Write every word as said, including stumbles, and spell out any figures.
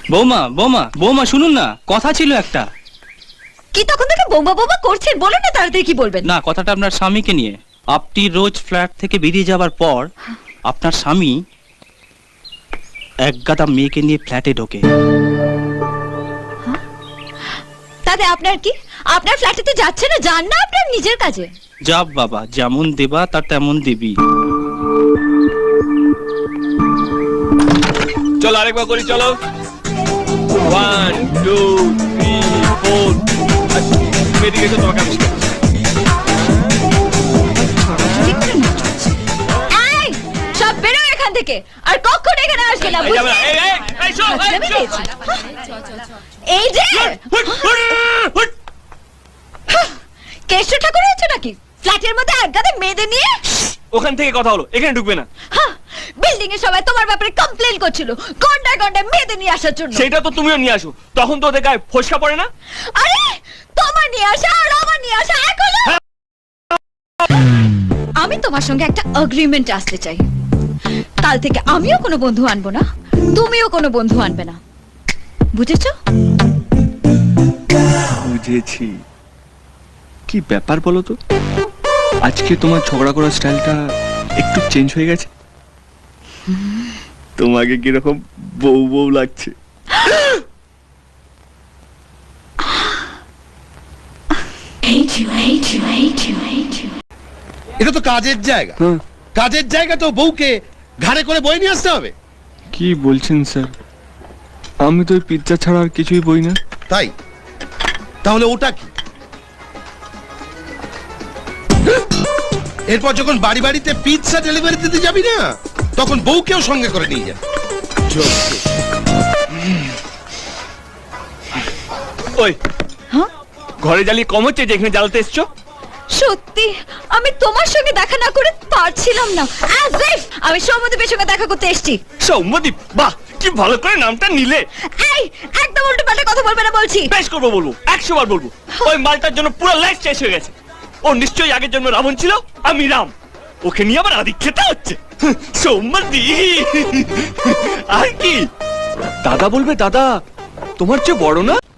বৌমা বৌমা বৌমা শুনুন না, কথা ছিল একটা। কি তখন থেকে বৌমা বৌমা করছেন? বলুন না তাড়াতাড়ি কি বলবেন। না, কথাটা আপনার স্বামীকে নিয়ে। আপনি রোজ ফ্ল্যাট থেকে বেরিয়ে যাবার পর আপনার স্বামী এক গাদা মেয়েকে নিয়ে ফ্ল্যাটে ঢোকে। তাতে আপনার কি? আপনার ফ্ল্যাটেতে যাচ্ছে না, যান না আপনার নিজের কাজে। যাব বাবা, যেমন দেবা তার তেমন দেবী। চলো আরেকবার করি, চলো। One two three four. মেয়েদিকে এসো, তোমাকে আমি শেখাবো। এই, সব বেরো এখান থেকে, আর কখনো এখানে আসবে না। এই যাবে না, এই, এই, এই, শো, এই, বুঝতে শো। পেরেছি। এই যে হুট, হুট, হুট। কেষ্ট ঠাকুর হয়েছে নাকি ফ্ল্যাটের মধ্যে এক গাদা মেয়েদের নিয়ে? ওখান থেকে কথা হলো, এখানে ঢুকবে না। বিল্ডিং এ সবাই তোমার ব্যাপারে কমপ্লেন করছিল, গন্ডায় গন্ডায় মেয়েদের নিয়ে আসার জন্য। সেটা তো তুমিও নিয়ে আসো, তখন তো ওদের গায়ে ফসকা পড়ে না। আরে তোমার নিয়ে আসা আর আমার নিয়ে আসা এক হলো? আমি তোমার সঙ্গে একটা এগ্রিমেন্ট আসতে চাই। কাল থেকে আমিও কোনো বন্ধু আনবো না, তুমিও কোনো বন্ধু আনবে না, বুঝেছো? বুঝেছি। কি ব্যাপার বলো তো, আজকে তোমার ঝগড়া করার স্টাইলটা একটু চেঞ্জ হয়ে গেছে। তোমাকে কিরকম বউ বউ লাগছে। এটা তো কাজের জায়গা, কাজের জায়গা তো বউকে ঘাড়ে করে বয়ে নিয়ে আসতে হবে। কি বলছেন স্যার? আমি তো পিৎজা ছাড়া আর কিছুই বই না। তাই তাহলে ওটা কি? এরপর যখন বাড়ি বাড়িতে পিৎজা ডেলিভারি দিতে যাবি না, তখন বউকেও সঙ্গে করে নিয়ে যা। ওই হ্যাঁ? ঘরে জ্বালিয়ে কম হচ্ছে যে এখানে জ্বালাতে এসছো? সত্যি আমি তোমার সঙ্গে দেখা না করে পারছিলাম না। As if আমি সৌম্যদীপের সঙ্গে দেখা করতে এসেছি। সৌম্যদীপ, বাহ কি ভালো করে নামটা নিলে। এই একদম উল্টো পাল্টা কথা বলবে না বলছি। বেশ করবো, বলবো, একশো বার বলবো। ওই মালটার জন্য পুরো লাইফ শেষ হয়ে গেছে। ও নিশ্চয়ই আগের জন্য রাবণ ছিল, আমি রাম। ওকে নিয়ে আবার আদি খেতে হচ্ছে। সৌম্যদীপ আর কি দাদা বলবে? দাদা তোমার চেয়ে বড় না?